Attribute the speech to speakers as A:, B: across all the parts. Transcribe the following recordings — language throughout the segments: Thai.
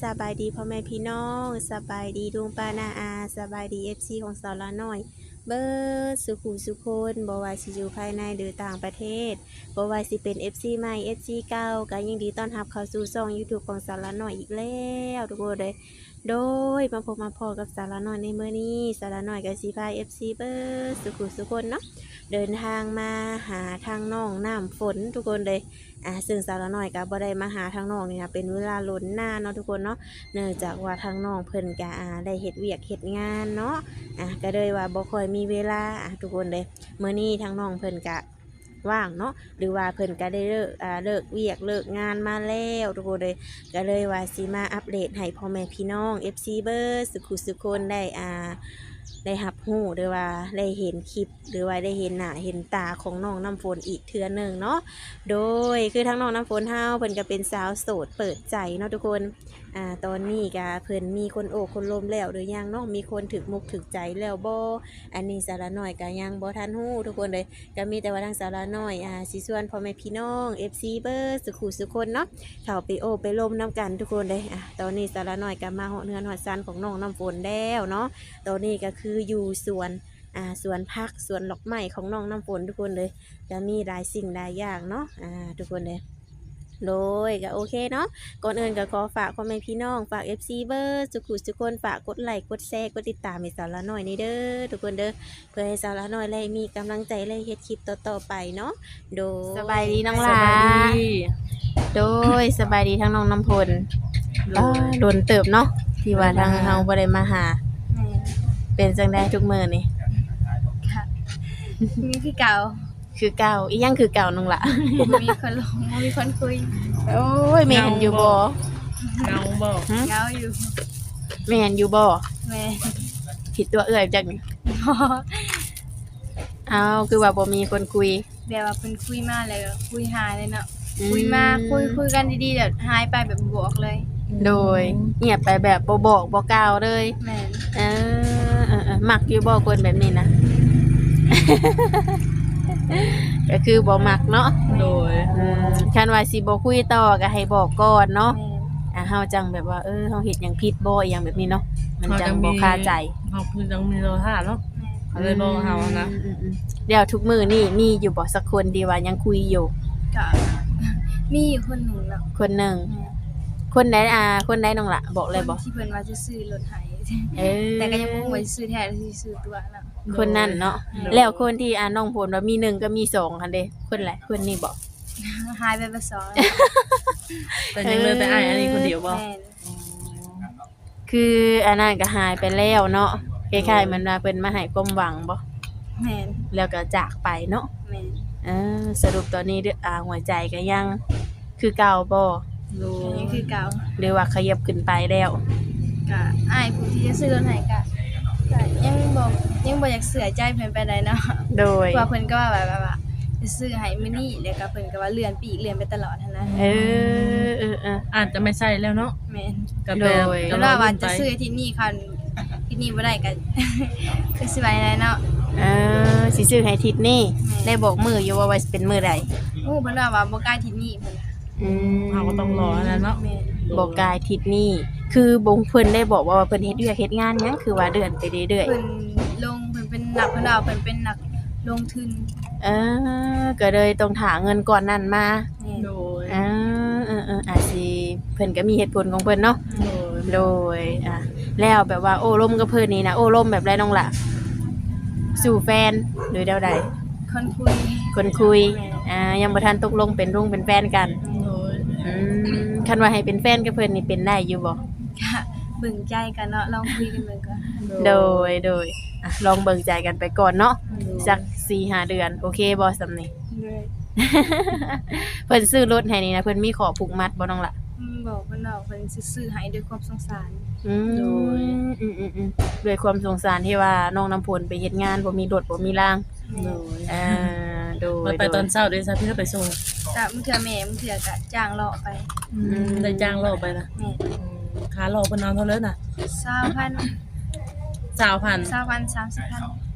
A: สบายดีพ่อแม่พี่น้องสบายดีลุงป้านาอาสบายดีFCของสาวละน้อยเบิร์สุขุสุคนบ่ว่าสิอยู่ภายในหรือต่างประเทศบ่ว่าสิเป็น FC ใหม่ FC เก่าก็ยินดีต้อนรับเข้าสู่ช่อง YouTube ของสาวละน้อยอีกแล้วทุกคนเลยโดยมาพบมาพอกับสาวละน้อยในมื้อนี้สาวละน้อยก็สิพา FC เบิร์สุขุสุคนเนาะเดินทางมาหาทางน้องน้ำฝนทุกคนเลยซึ่งสาวละน้อยก็บ่ได้มาหาทางน้องนี่นะเป็นเวลาล้นหน้าเนาะทุกคนเนาะเนื่องจากว่าทางน้องเพิ่นก็ได้เฮ็ดเวียกเฮ็ดงานเนาะก็เลยว่าบ่ค่อยมีเวลาทุกคนเลยมื้อนี้ทางน้องเพิ่นก็ว่างเนาะหรือว่าเพิ่นก็ได้เลิกเวียกเลิกงานมาแล้วทุกคนเลยก็เลยว่าสิมาอัปเดตให้พ่อแม่พี่น้อง FC เบิร์สุขคนได้รับรู้หรือว่าได้เห็นคลิปหรือว่าได้เห็นหน้าเห็นตาของน้องน้ำฝนอีกเทื่อหนึ่งเนาะโดยคือทั้งน้องน้ำฝนเฮาเพิ่นก็เป็นสาวโสดเปิดใจเนาะทุกคนตอนนี้ก็เพิ่นมีคนโอบคนลมแล้วหรือยังเนาะมีคนถึกมุกถึกใจแล้วบ่อันนี้สาระน้อยก็ยังบ่ทันฮู้ทุกคนเลยก็มีแต่ว่าทางสาระน้อยสิชวนพ่อแม่พี่น้อง FC เบิร์สุขคนเนาะเข้าไปโอบไปลมน้ำกันทุกคนเลยตอนนี้สาระน้อยก็มาฮอดเฮือนฮอดซันของน้องน้ำฝนแล้วเนาะตอนนี้ก็คืออยู่สวนผักสวนดอกไม้ของน้องน้ำฝนทุกคนเลยจะมีหลายสิ่งหลายอย่างเนาะทุกคนเลยโดยก็โอเคเนาะก่อนอื่นก็ขอฝากพ่อแม่พี่น้องฝาก FC เบอร์ทุกคนฝากกดไลค์กดแชร์กดติดตามให้สาวละน้อยนี่เด้อทุกคนเด้อเพื่อให้สาวละน้อยได้มีกำลังใจได้เฮ็ดคลิปต่อๆไปเนาะโดยสบายดีน้องหลาโดยสบายดีทั้งน้องน้ำฝนโดนเติบเนาะที่ว่าทางเฮาบ่ได้มาหาเป็นจังได้ทุกมื้อนี่
B: มีคือเก่า
A: อีหยังคือเก่าน้องละ
B: มีคนลงมีคนคุย
A: โอ้ยแม่นอยู่บ่
C: เงาบ่
B: เงาอยู่
A: แม่นอยู่บ่
B: แม่
A: ผิดตัวเอื้อยจักนี่เอาคือว่าบ่มีคนคุย
B: แบบว่าเพิ่นคุยมาแล้วคุยหายเลยเนาะคุยมาคุยกันดีๆแบบหายไปแบบบวกเลย
A: โดยเงียบไปแบบบ่บอกบ่กล่าวเลย
B: แม่
A: มักอยู่บ่คนแบบนี้นะก็คือบ่มักเนาะ
C: โดย
A: คันว่าสิบ่คุยต่อก็ให้บอกก่อนเนาะเฮาจังแบบว่าเฮาเฮ็ดหยังผิดบ่อีหยังแบบนี้เนาะมันจังบ่คาใจ
C: เฮาคือจังมีโลหะเนาะเลยบ่เฮานะ
A: เดี๋ยวทุกมื้อนี่มีอยู่บ่สักคนที่ว่ายังคุยอยู่
B: ก็มีอยู่คนหนึ่งเนาะ
A: คนหนึ่งคนใดคนใดน้องล่ะบอกเลยบ่
B: ที่เพิ่นว่าจะซื้อรถให้แต่ก็ยังบ่รู้ว่าสิซื้อแท้หรือสิซื้อตัวเนาะ
A: คนนั้นเนาะแล้วคนที่น้องผลว่ามี1ก็มี2คั่นเด้คนไหนคนนี้บ่
B: หายไปบ่สอง
C: แต่ยังเลยไปอ้ายอันนี้คนเดียวบ่
A: คืออันนั้นก็หายไปแล้วเนาะคล้ายๆมันว่าเพิ่นมาให้ความหวังบ่
B: แม่น
A: แล้วก็จากไปเนาะ
B: แม่น
A: สรุปตอนนี้หัวใจก็ยังคือเก่าบ่
B: ยังคือเก่า
A: หรือว่าขยับขึ้นไปแล้ว
B: ก็อ้ายผู้ที่จะซื้อรถให้ก็ยังบ่อยากเสียใจเพิ่นไปได้เนาะ
A: โดย
B: ว่าเพิ่นก็ว่าแบบว่าจะซื้อให้มื้อนี้แล้วก็เพิ่นก็ว่าเลื่อนปีกเลื่อนไปตลอดหั่นนะ
C: อาจจะไม่ใช่แล้วเนาะ
B: แม่น
C: ก็แปล
B: ว่าจะซื้อที่นี่คันที่นี่บ่ได้ก็คือสิไว้ได้เนาะ
A: สิซื้อให้ทิศนี้ได้บอกมื้ออยู่ว่าเป็นมื้อใด
B: เพิ่นว่าบ่กล้าที่นี่เพิ่น
C: เราก็ต้องรอแล้วเนาะ
A: บอกกายทิศนี้คือบงเพิ่นได้บอกว่าเพิ่นเฮ็ดเวียกเฮ็ดงานหยังคือว่าเดือนไปเรื่อย
B: ๆเพิ่นเป็นนักเพิ่นเอาเพิ่นเป็นนักลงทุน
A: ก็เลยต้องหาเงินก่อนนั้นมา
C: โดย
A: อาจสิเพิ่นก็มีเหตุผลของเพิ่นเนาะโดยแล้วแบบว่าโอ้ร่มกับเพิ่นนี่นะโอ้ร่มแบบไรน้องล่ะสู่แฟนหรือเดาใดคนคุยยังบ่ทันตกลงเป็นรุ่งเป็นแฟนกันคันว่าให้เป็นแฟนกับเพิ่นนี่เป็นได้อยู่บ่
B: ค่ะเบิ่งใจกันเนาะลองคุยกันเบิ่งก่อน
A: โดยลองเบิ่งใจกันไปก่อนเนาะสัก 4-5 เดือนโอเคบ่ซำนี้เพิ่นซื้อรถให้นี่นะเพิ่นมีขอผูกมัดบ่น้องล่ะ
B: บอกเพิ่นว่าเพิ่นสิซื้อให้ด้วยความสงสาร
A: โดยด้วยความสงสารที่ว่าน้องน้ำพลไปเฮ็ดงานบ่มีรถบ่มีรางโดย
C: ไปตอนเช้าด้วยซะพี่ก็ไปส่ง
B: จ้ะมื้อเทื่อแม่มื้อเทื่อก็จ้างเลาะไป
C: ได้จ้างเลาะไปนะค่าเลาะเพิ่นเอาเท่าไหร่น่ะ
B: 20,000 30,000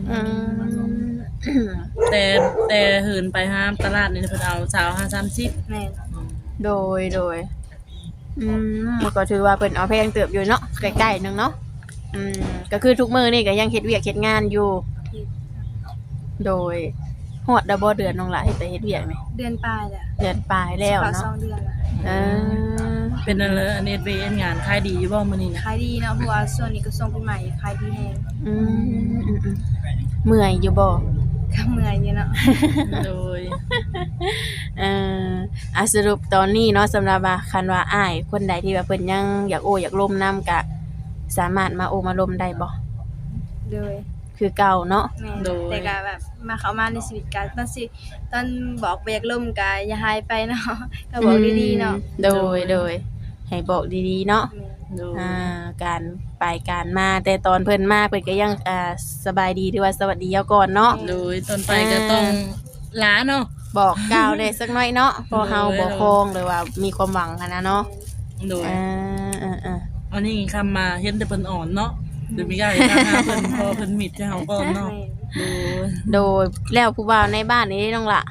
C: แต่หืนไปห้ามตลาดนี่เพิ่นเอา20-30
B: แม่น
A: โดยก็ถือว่าเพิ่นเอาแพงเติบอยู่เนาะใกล้ๆนึงเนาะก็คือทุกมื้อนี่ก็ยังเฮ็ดเวียกเฮ็ดงานอยู่โดยฮอดบ่เดือนน้องหลายไปเฮ็ดเวียกนี่
B: เดือนปลายแหละ
A: เดือนปลายแล้ว
B: เข้า
A: เนาะ
B: 2เดือนละ
A: เออ
C: เป็นนั่นเลยอันนี้เฮ็ดงานขายดีอยู่บ่มื้อนี้นะ
B: ขายดีเนาะเพราะว่าช่วงนี้ก็ส่งปีใหม่ขายดีแฮง
A: อืมเมื่อยอยู่บ่
B: ก็เมื่อยอยู่เนาะ
C: โดย
A: เอ่อสรุปตอนนี้เนาะสำหรับว่าคันว่าอ้ายคนใดที่ว่าเพิ่นยังอยากโอ้อยากร่วมนํก็สามารถมาโอ้มาร่วมได้บ่
B: โดย
A: คือเก่าเนาะ
B: แม่นแต่ก็แบบมาเข้ามาในชีวิตกันตอนบอกบ่อยากล่มก็อย่าหายไปเนาะ ก็บอกดีๆเนาะ
A: โดยให้บอกดีๆเนาะ
B: แม่น
C: โดย
A: การไปการมาแต่ตอนเพิ่นมาเพิ่นก็ยังสบายดีหรือว่าสวัสดีเอาก่อนเนาะ
C: โดยต้นไปก็ต้องลาเนาะ
A: บอกกล่าวได้สักหน่อยเนาะเพอเฮาบ่คงหรือว่ามีความหวังหันนะเนาะ
C: โดย
A: อ่า
C: อันนี้คำมาเห็นแต่เพิ่นอ่อนเนาะหรือมีกล้าทางหาเพิ่นพอเพิ่นมิดให้เฮาก่อนเนาะ
B: แม่น
C: โดย
A: โดยแล้วผู้บ่าวในบ้านนี้น้องละ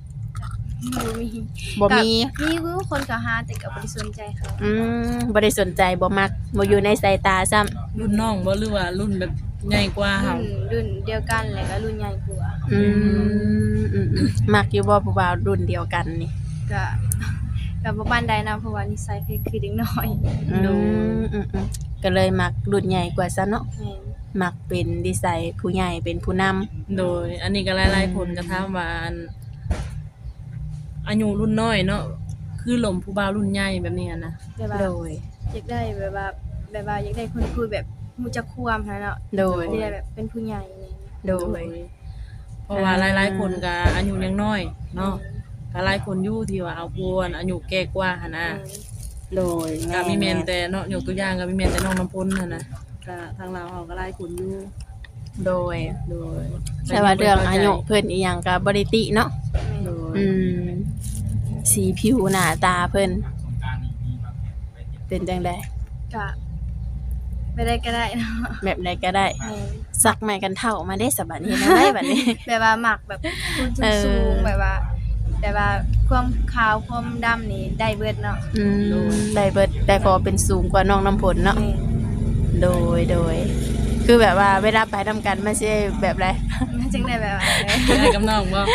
B: บ่มี
A: บ่มี
B: มีคือคนก็หาแต่ก็บ่ได้สนใจเขา
A: บ่ได้สนใจบ่มักบ่อยู่ในสายตาซ้ำ
C: รุ่นน้องบ่หรือว่ารุ่นแบบใหญ่กว่าเฮา
B: รุ่นเดียวกันแล้วก็รุ่นใหญ่กว่า
A: มักอยู่บ่ผู้บ่าวรุ่นเดียวกันนี่
B: ก็ก็บ่ปานใดนะเพราะว่านิสัยคือเด็กน้อย
A: ก็เลยมักรุ่นใหญ่กว่าซะเนาะ
B: แม่น
A: มักเป็นนิสัยผู้ใหญ่เป็นผู้นำ
C: โดย อันนี้ก็หลายๆคนก็ถามว่าอันอายุรุ่นน้อยเนาะคือหลมผู้บ่าวรุ่นใหญ่แบบนี้อะนะ
B: แบบว่า
A: โดย
B: อยากได้แบบว่าอยากได้คนคุยแบบรู้จักความหั้นเนาะ
A: โดย
B: อยากได้แบบเป็นผู้ใหญ่อะไรอย่างเงี้ย
A: โดย
C: เพราะว่าหลายๆคนก็อายุยังน้อยเนาะก็หลายคนอยู่ที่ว่าเอาพวนอายุแก่กว่าหั่นน่ะ
A: โดย
C: ก็มีแม่นแต่เนาะยกตัวอย่างก็มีแม่นแต่น้องน้ำพ้นหั่นน่ะก็ทางเราเฮาก็หลายคนอยู่
A: โดย
C: โดย
A: แต่ว่าเรื่องอายุเพิ่นอีหยังก็บ่ได้ติเนาะ
C: โดย
A: สีผิวหน้าตาเพิ่นเป็นจังได๋
B: ก็ไม่ได้ก็ได้เนาะ
A: แบบใดก็ได้
B: แม่น
A: สักไม้กันเท่ามาได้สบัดนี้นะได้บัดนี้
B: แบบว่าหมักแบบคนสูงๆแบบว่าความขาวความดำนี่ได้เบิดเนาะ
A: ได้เบิดได้พอเป็นสูงกว่าน้องน้ำผลเนาะ
B: แม่น
A: โดยคือแบบว่าเวลาไปทำกันมันสิแบบไร
B: มันจึงได้แบบว่า
C: ได้กับน้องบ่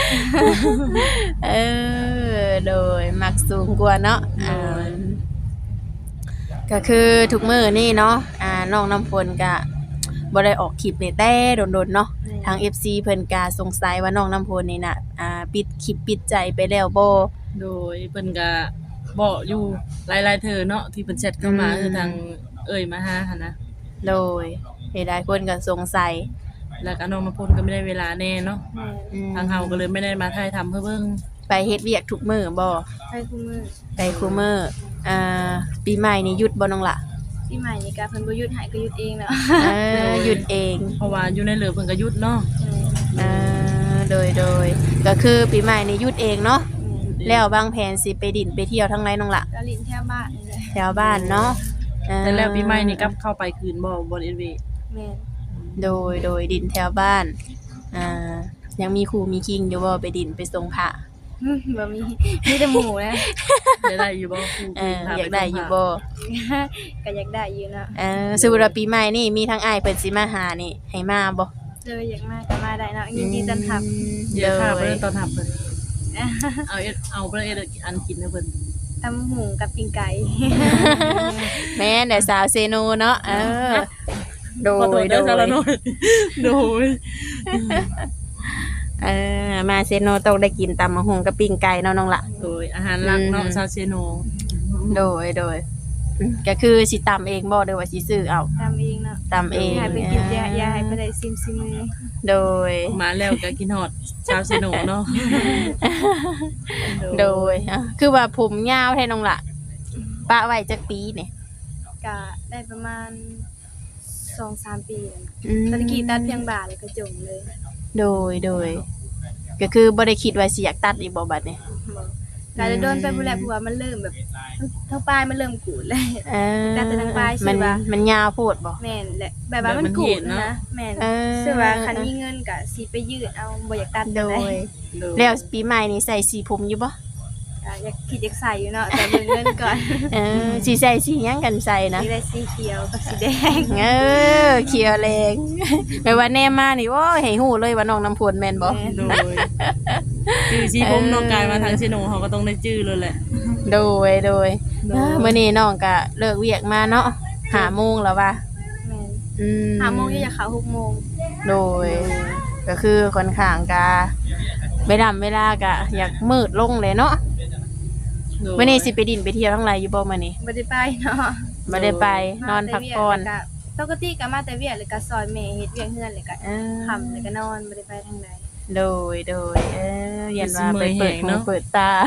A: โดยมักสูงกว่าเนาะ
C: โดย
A: ก็คือทุกมื้อนี่เนาะน้องน้ำฝนก็บ่ได้ออกคลิปนี่แต่โดนๆเนาะทาง FC เพิ่นก็สงสัยว่าน้องน้ำฝนนี่น่ะปิดคลิปปิดใจไปแล้วบ่
C: โดยเพิ่นก็บอกอยู่หลายๆเธอเนาะที่เพิ่นแชทเข้ามาคือทางเอ่ยมาหาหั่นนะ
A: โดยหลายๆคนก็สงสัย
C: แล้วก็น้องน้ำพ้นก็ไม่ได้เวลาแน่เนาะ
B: แม่น
C: ทางเฮาก็เลยไม่ได้มาถ่ายทำเพื่อเบิ่ง
A: ไปเฮ็ดเวียกทุกมื้อบ่
B: ไปคู่มือ
A: ไปคูมื้อปีใหม่นี่หยุดบ่น้องล่ะ
B: ปีใหม่นี่ก็เพิ่นบ่หยุดให้ก็หยุดเองเนาะ
A: หยุดเอง
C: เพราะว่าอยู่ในเหลือเพิ่นก็หยุดเนาะ
A: โดยก็คือปีใหม่นี่หยุดเองเนาะแล้วบางแผนสิไปดินไปเที่ยวทั้งไรน้องล่ะ
B: ก็ลิ้นแถวบ้านนี่แหละ
A: แถวบ้านเนาะ
C: แต่แล้วปีใหม่นี่กลับเข้าไปคืนบ่บ่เอ็นวี
B: แม่น
A: โดยดินแถวบ้านยังมีครูมีคิงอยู่บ่ไปดินไปส่งพระ
B: บ่มีแต่หมูนะ
C: ได้อยู่บ่ครู
A: อยากได้อยู่บ่
B: ก็อยากได้อยู่เนาะ
A: สมมุติว่าปีใหม่นี่มีทั้งอ้ายเพิ่นสิมาหานี่ให้มาบ่
B: เลยอยากมาก็มาได้เนาะยินดีต้อนรับ
C: เดี๋ยวข้าไปตอนทับเพิ่นเอาไปเอ็ดอันกินให้เพิ่น
B: ตำหูกับปิ้งไก่
A: แม่นแต่สาวเซโนเนาะโด
C: ขอโทษ
A: ย
C: เด้อซะละน้อยโดย
A: มาเซโนต้องได้กินตำมะฮุงกับปิ้งไก่เนาะน้องละ
C: โดยอาหารหลักเนาะซาเซโน
A: โดยก็คือสิตำเองบ่หรือว่าสิซื้อเอา
B: ตำเองเนาะ
A: ตำเอง
B: ให้ไปกินยาให้ไปได้ซิมมือ
A: โดย
C: มาแล้วก็กินฮอดซาเซโนเนาะ
A: โดยคือว่าผมยาวแท้น้องละปะไว้จักปีนี่
B: ก็ได้ประมาณ 2-3 ปีแล้วนะตอนกี้ตัดเพียงบ่าเลยก็จงเลย
A: โดยก็คือบ่ได้คิดว่าสิอยากตัดอีกบ่บัดนี้
B: บอกก็จะโดนไปผู้แลเพราะว่ามันเริ่มแบบทั้งปลายมันเริ่มกูดเลย ตัดแต่ทางปลายใช่ปะ
A: มันยาวโพดบ่
B: แม่นแหละแบบว่ามันกูดนะแม่นคือว่าคันมีเงินก็สิไปยืดเอาบ่อยากตัด
A: โด
B: เลย
A: แล้วปีใหม่นี่ใส่สีผมอยู่บ่
B: กก็อยากคิดอยากใส่อยู่เนาะแต่เบิ่งเงินก่อน
A: สิใส่สีหยังกันใส่นะ
B: มีได้สีเขียวกับสีแดง
A: เขียวแรง ไม่ว่าแน่มานี่โอ้ยให้ฮู้เลยว่าน้องน้ำพลแม่นบ่
C: โดยชื่อชีผมน้องกายมาทางชิโนเขาก็ต้องได้ชื่อเลยแหละ
A: โดย
C: โดย
A: มื้อนี้น้องก็เลิกเวียกมาเนาะ5โมงแล้วว่ะ
B: แม่น
A: อืม
B: 5 โมงอยากเข้า6 โมง
A: โดย ก็คือค่อนข้างกะเวลาก็อยากมืดลงเลยเนาะ
C: โดย
A: มื้อนี้สิไปดินไปเที่ยวทั้งหลายอยู่บ่มื้อนี้
B: บ่ได้ไปเนาะ
A: บ่ได้ไปนอนพักผ่อน
B: ปกติก็มาแต่เวียกแล้วก็ซอยแม่เฮ็ดเวียกเฮือนแล้วก็ค่ำแล้วก็นอนบ่ได้ไปทางใด
A: โดยยันว่าไปเปิดหูเปิดตา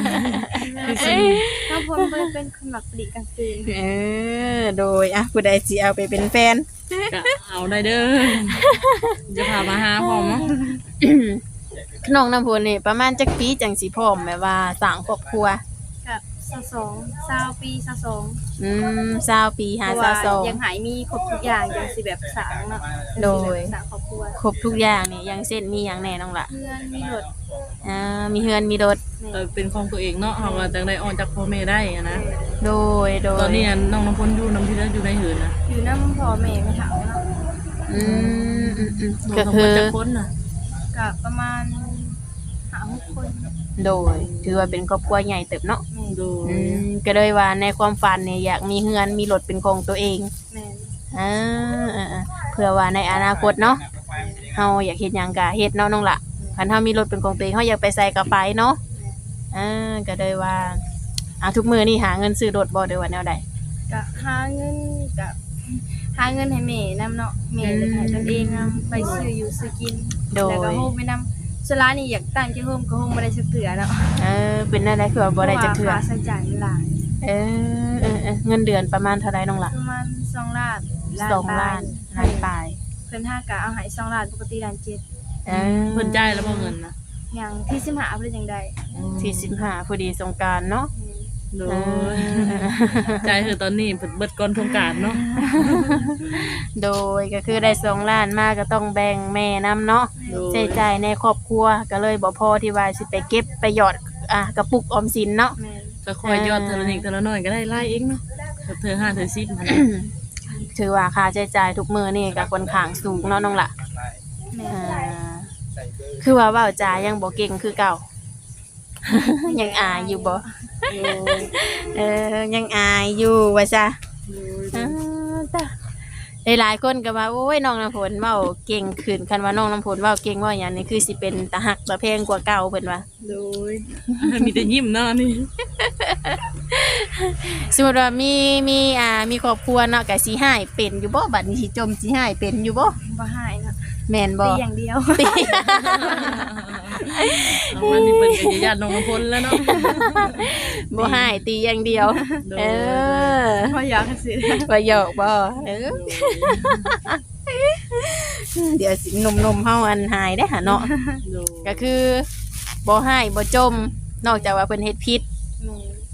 B: ถ้าพ้นเป็นคนมักปลีกกลางคืน
A: โดยผู้ใดสิเอาไปเป็นแฟน
C: ก็เอาได้เด้อจะพามาหาพร้อมเนาะ
A: น้องน้ำพลนี่ประมาณจักปีจังสิพร้อมแม่ว่าสร้างครอบครัว
B: กับ20ปี22
A: 20ปี
B: เพราะว่ายังหายมีครบทุกอย่างจังสิแบบสร้างเนาะ
A: โดย
B: สร้างครอบครัว
A: ครบทุกอย่างนี่อยังเช่นมีหยังแน่น้องล่ะ
B: เพื่อนมีรถ
A: มีเฮือนมีรถ
C: เป็นของตัวเองเนาะเขาก็จังได้ออกจากพ่อแม่ได้อะนะ
A: โดย
C: ตอนนี้น้องน้ำพ้นอยู่น้ำที่แล้วอยู่ในหืนนะ
B: อยู่นำพ่อแม่ไม่เฒ่าเนาะ
A: ก็
C: น้อง
A: คื
C: พ้น
A: อ
C: จะพ้นน่ะ
B: ก็ประมาณ5-6 คน
A: โดยถือว่าเป็นครอบครัวใหญ่เติบเนาะ
B: แม่
C: โดย
A: ก็เลยว่าในความฝันเนี่ยอยากมีเฮือนมีรถเป็นของตัวเอง
B: แม่
A: เพื่อว่าในอนาคตเนาะเฮาอยากเฮ็ดหยังก็เฮ็ดเนาะน้องล่ะคันเฮามีรถเป็นของตัวเองเฮาอยากไปใส่ก็ไปเนาะก็เลยว่าทุกมื้อนี่หาเงินซื้อรถบ่ได้ว่าแนวใด
B: ก็หาเงินให้แม่นำเนาะแม่แล้วก็ให้ตนเองนำไปซื้ออยู่ซื้อกิน
A: โด
B: แล้วก็
A: ย
B: โฮมไปนำสลานี่อยากตั้งที่โฮมก็โฮมบ่ได้สักเทื่อเนาะ
A: เป็นอะไรคือว่าบ่ได้จักเทื่อ
B: พราะว่าค่าใช้จ่ายมันหลาย
A: เงินเดือนประมาณเท่าไรน้องล่ะ
B: ประมาณ2 ล้าน
A: 2 ล้านล้านปลาย
B: เพิ่น5ก็เอาให้2 ล้านปกติล้าน7
C: เพิ่นจ่ายแล้วบ่เงินนะ
B: อย่างที่15เพิ่นจังได๋
A: ที่15พอดีสงกรานต์เนาะ
C: โดยจ่ายคือตอนนี้เพิ่นเบิดก่อนสงกรานต์เนาะ
A: โดยก็คือได้2 ล้านมาก็ต้องแบ่งแม่นํเนาะ
C: โดย
A: ใช้จ่ายในครอบครัวก็เลยบ่พอที่ว่าสิไปเก็บไปหยอดกระปุกออมสินเนาะ
B: แม่น
C: ก็คอยยอดเทอละนิดเทอละน้อยก็ได้ไล่เองเนาะเธอ5เธอ10นั่นแหละ
A: ถือว่าค่าใช้จ่ายทุกมื้อนี่ก็ค่อนข้างสูงเนาะน้องล่ะ
B: แม่
A: คือว่าเว้าจายังบ่เก่งคือเก่า ยังอายอยู่บ่ยังอายอยู่ว่าซะหลายๆคนก็ว่าโอ้ยน้องน้ำฝนเว้าเก่งขึ้นคันว่าน้องน้ำฝนเว้าเก่งว่าหยังนี่คือสิเป็นตาฮักตาแพงกว่าเก่าเพิ่นว่า
C: โดยมีแต่ยิ้มเนาะนี่
A: สมมุติว่ามีครอบครัวเนาะก็สิหายเป็นอยู่บ่บัดนี้สิจมสิหายเป็นอยู่บ่
B: บ่หายเนาะ
A: แม่นบ่
B: ตีอย่างเดียว
C: เอาวันนี้เพิ่นก็จะญาติน้องน้ำพ้นแล้วเนาะ
A: บ่หายตีอย่างเดียว
C: โดย
B: บ่อยากสิ
A: ว่าหยอกบ่เดี๋ยวสิหนุ่มๆเฮาอันหายได้อหาเนาะ
C: โดย
A: ก็คือบ่หายบ่จม นอกจากว่าเพิ่นเฮ็ดผิด
B: แม่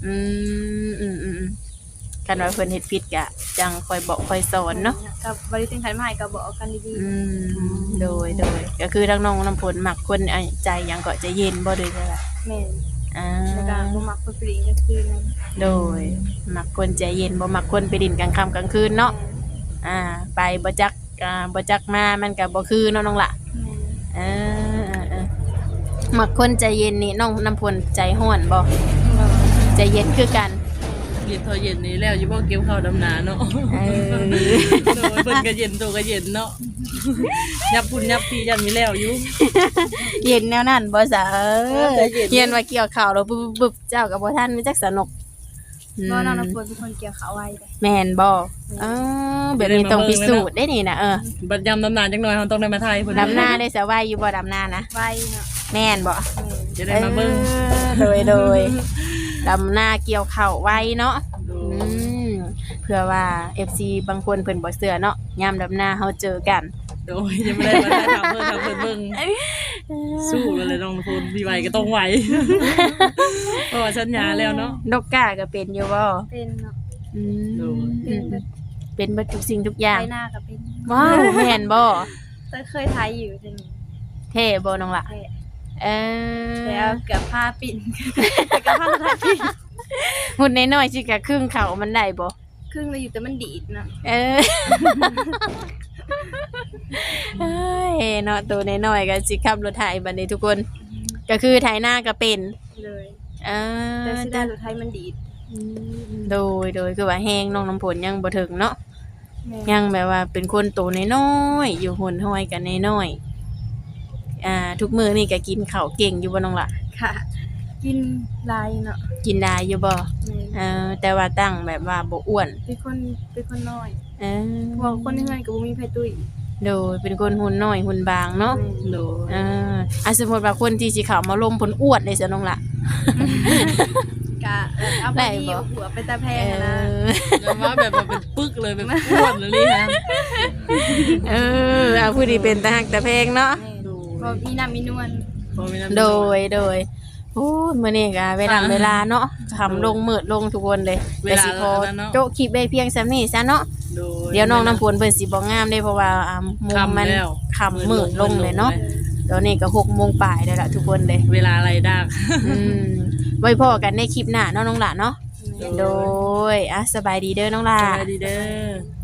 A: คันว่าเพิ่นเฮ็ดผิดก็จังคอยบอกคอยสอนเนาะ
B: ก็บ่ได้ถึงขั้นมาให้ก็บอกกันดี
A: โดยก็คือทั้งน้องน้ำฝนมักคนใจหยังก็ใจเย็นบ่ด้วยใช่ล่ะ
B: ๆแม่น
A: อ่า
B: แล้วก็บ่มักคนปลีกกลางคืนนั่น
A: โดยมักคนใจเย็นบ่มักคนไปดินกลางค่ำกลางคืนเนาะไปบ่จักมามันก็บ่คือเนาะน้องล่ะ
B: แม่
A: มักคนใจเย็นนี่น้องน้ำฝนใจร้อนบ่ใจเย็นคือกัน
C: เย็นเท่าเย็นนี้แล้วอยู่บ่เกี่ยวข้าวดำนาเนาะโดยเพิ่นก็เย็นตัวก็เย็นเนาะยับพุ่นยับปียันมีแล้วอยู่
A: เย็นแนวนั้นบ่ซะ
C: ใจเย็น
A: เย็นว่าเกี่ยวข้าวแล้วบึบๆเจ้าก็บ่ทันมีจักสนุก
B: บ่น้องน้ำฝนเป็นคนเกี่ยวข้าวไว้เลย
A: แม่นบ่แบบนี้ต้องพิสูจน์ได้นี่นะ
C: บัดยำดำนาจังหน่อยเราต้องได้มาไทยเพิ่น
A: ดำนาได้สะไว้อยู่บ่ดำนานะ
B: ไว้เนาะ
A: แม่นบ่
C: จะได้มาเบิ่ง
A: โดยดำนาเกี่ยวข้าวไว้เนาะเพื่อว่า FC บางคนเพิ่นบ่เชื่อเนาะยามดำนาเฮาเจอกัน
C: โดยยังไม่ได้มาได้ทำเพิ่นเบิ่งสู้เลยน้องพูนมีไหวก็ต้องไหวเพราะว่าสัญญาแล้วเนาะ
A: นกกาก็เป็นอยู่บ่
B: เป็นเนาะ
A: เป็นเบิดทุกสิ่งทุกอย่าง
B: ไถนาก็เป็น
A: ว้าวแม่นบ่
B: แต่เคยไถอยู่จังนี้
A: เท่บ่น้องล่ะ
B: แท้
A: เออ
B: แต่เอาเกือบผ้าปิ่น แต่ก็ผ้าทัดปิ่น
A: หุ่นน้อยๆสิกะครึ่งเขามันได้บ่
B: ครึ่งเลยอยู่แต่มันดีดนะ
A: เออ เอ้ยเนาะตัวน้อยๆก็สิขับรถไถบัดนี้ทุกคน ก็คือไถนาก็เป็น
B: เลย
A: เออ
B: แต่สิได้รถไทยมันดีด
A: โดยคือว่าแฮงน้องน้ำผลยังบ่ถึงเนาะ
B: แม่
A: ยังแบบว่าเป็นคนโตน้อยๆอยู่หุ่นห้อยกันน้อยๆทุกมื้อนี่ก็กินข้าวเก่งอยู่บ่น้องล่ะ
B: ค่ะ กินลายเนาะ
A: กินได้อยู่บ่
B: แม่
A: แต่ว่าตั้งแบบว่าบ่อ้วน
B: เป็นคนน้อย
A: เออ
B: เพราะคนที่เฮือนก็บ่มีไผตุ้ย
A: โดยเป็นคนหุ่นน้อยหุ่นบางเนาะ
C: โดย
A: สมมุติว่าคนที่สิเข้ามาลมผลอ้วนได้ซะน้องล่ะ
B: กะเอาพ
A: ได้
B: อดี
A: บ่
B: หัวไปตาแพงอะนะ
C: แล้วว่าแบบว่าเป็นปึกเลยแบบอ้วนเลยฮะ
A: เอาผู้ดีเป็นตาหักตาเพลงเนาะ
B: แม่พอมีน้ำมีนวล
C: พอมีน้ำ
A: โดยโอ้ยมื้อนี้ก็เวลาเนาะคำลงมืดลงทุกคนเลยแต่สิพอโจะคลิปได้เพียงส่ำนี้ซะเนาะ
C: โดย
A: เดี๋ยวน้องน้ำฝนเพิ่นสิบ่งามเด้เพราะว่ามุมมัน
C: แล้ว
A: ค่ำมืดลงเลยเนาะตอนนี้ก็6 โมงปลายแล้วล่ะทุกคนเลย
C: เวลาอะไรดัก
A: ไว้พอกันในคลิปหน้าเนาะน้องหล่ะเนาะโดยสบายดีเด้อน้องหล่ะ
C: สวัสดีเด้อ